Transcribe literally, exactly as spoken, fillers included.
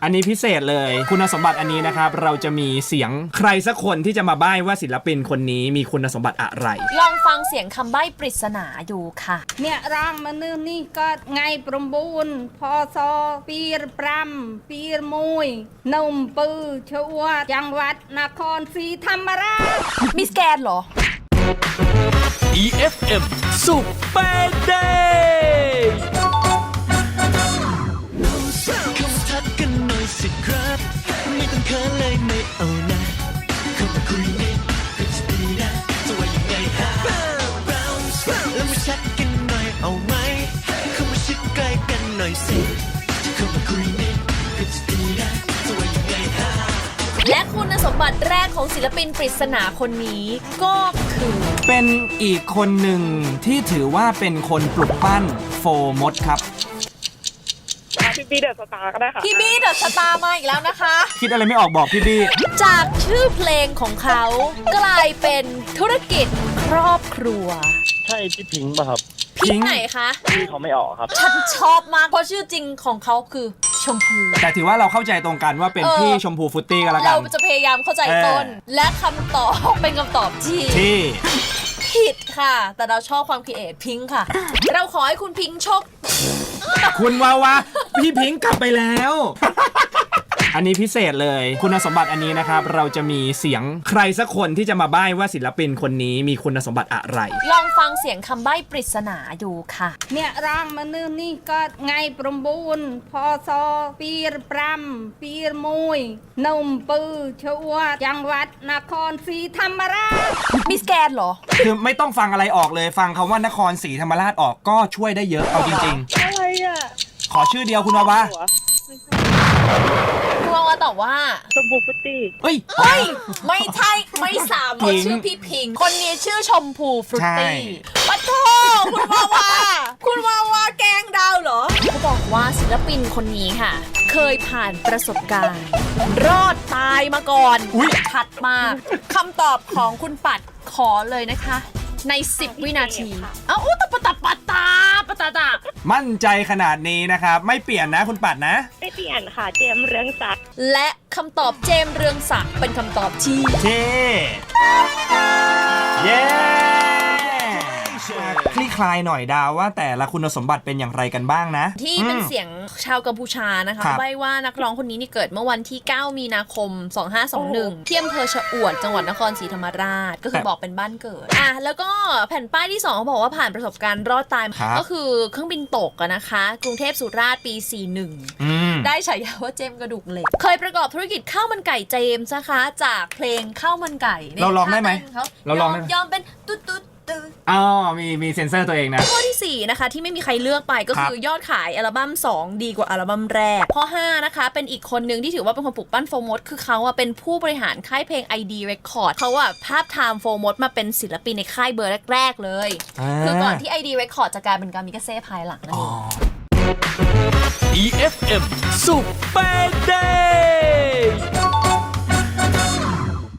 อันนี้พิเศษเลยคุณสมบัติอันนี้นะครับเราจะมีเสียงใครสักคนที่จะมาใบ้ว่าศิลปินคนนี้มีคุณสมบัติอะไรลองฟังเสียงคำใบ้ปริศนาดูค่ะเนี่ยร่างมันนี่ก็ไงประมูลพอซอปีรปรำปีรมวยนมปือชัวจังหวัดนครศรีธรรมราชมิสแกนเหรออี เอฟ เอ็ม Super Day ทักกันหน่อยสิครับไม่ต้องเขินเลยไม่เอานะเข้ามาคุยนิดก็จะดีนะจะว่ายังไงฮะแล้วมาชักกันหน่อยเอาไหมเข้ามาชิดใกล้กันหน่อยสิเข้ามาคุยนิดก็จะดีนะจะว่ายังไงฮะและคุณสมบัติแรกของศิลปินปริศนาคนนี้ก็คือเป็นอีกคนหนึ่งที่ถือว่าเป็นคนปลุกปั้นโฟมดครับพี่บี้เดอะสตาร์ก็ได้ค่ะพี่บี้เดอะสตาร์มาอีกแล้วนะคะคิดอะไรไม่ออกบอกพี่บี้จากชื่อเพลงของเขากลายเป็นธุรกิจครอบครัวใช่พี่พิงค์ป่ะครับพิงค์ไหนคะพี่เขาไม่ออกครับฉันชอบมากเพราะชื่อจริงของเขาคือชมพูแต่ถือว่าเราเข้าใจตรงกันว่าเป็นพี่ชมพูฟุตตี้กันแล้วกันเราจะพยายามเข้าใจต้นและคำตอบเป็นคำตอบที่ที่ผิดค่ะแต่เราชอบความคิดเอทพิงค์ค่ะเราขอให้คุณพิงค์โชคคุณวาวาพี่พิงค์กลับไปแล้วอันนี้พิเศษเลยคุณสมบัติอันนี้นะครับเราจะมีเสียงใครสักคนที่จะมาใบ้ว่าศิลปินคนนี้มีคุณสมบัติอะไรลองฟังเสียงคำใบ้ปริศนาดูค่ะเนี่ยร่างมันนี่ก็ไงประมูลพอซอปีรปรำปีรมวยนมปือชัวจังหวัดนครศรีธรรมราชมิสแกนเหรอคือไม่ต้องฟังอะไรออกเลยฟังคำว่านครศรีธรรมราชออกก็ช่วยได้เยอะเอาจริงๆอะไรอ่ะขอชื่อเดียวคุณวาวาคุณวาวาตอบว่าชมพูฟุตตี้เฮ้ยเฮ้ยไม่ใช่ไม่สามคนชื่อพี่พิงค์คนนี้ชื่อชมพูฟรุตตี้ปะโถคุณวาวาคุณวาวาแกงดาวเหรอเขาบอกว่าศิลปินคนนี้ค่ะเคยผ่านประสบการณ์รอดตายมาก่อนชัดมากคำตอบของคุณปัดขอเลยนะคะในสิบวินาทีเอ้าอุตปะตะปะตาปะตาตามั่นใจขนาดนี้นะครับไม่เปลี่ยนนะคุณปัดนะไม่เปลี่ยนค่ะเจมเรืองศักดิ์และคำตอบเจมเรืองศักดิ์เป็นคำตอบที่เท่เย้คลี่คลายหน่อยดาวว่าแต่ละคุณสมบัติเป็นอย่างไรกันบ้างนะที่เป็นเสียงชาวกัมพูชานะคะใบ้ว่านักร้องคนนี้นี่เกิดเมื่อวันที่เก้ามีนาคมสองห้าสองหนึ่งที่อำเภอชะอวดจังหวัดนครศรีธรรมราชก็คือบอกเป็นบ้านเกิดอ่ะแล้วก็แผ่นป้ายที่สองเขาบอกว่าผ่านประสบการณ์รอดตายก็คือเครื่องบินตกนะคะกรุงเทพสุราษฎร์ปีสี่สิบเอ็ดได้ฉายาว่าเจมกระดูกเหล็กเคยประกอบธุรกิจข้าวมันไก่เจมส์นะคะจากเพลงข้าวมันไก่เราลองได้ไหมเราลองยอมเป็นตุ๊ดตุ๊ดอ๋อมีมีเซ็นเซอร์ตัวเองนะข้อที่สี่นะคะที่ไม่มีใครเลือกไปก็คือยอดขายอัลบั้มสองดีกว่าอัลบั้มแรกข้อห้านะคะเป็นอีกคนนึงที่ถือว่าเป็นคนปลุกปั้นโฟร์มดคือเขาอะเป็นผู้บริหารค่ายเพลง ไอ ดี Record เขาอะภาพไทม์โฟร์มดมาเป็นศิลปินในค่ายเบอร์แรกๆเลยคือก่อนที่ ไอ ดี Record จะกลายเป็นกามิกาเซ่ภายหลังนั่นเองอี เอฟ เอ็ม Super Day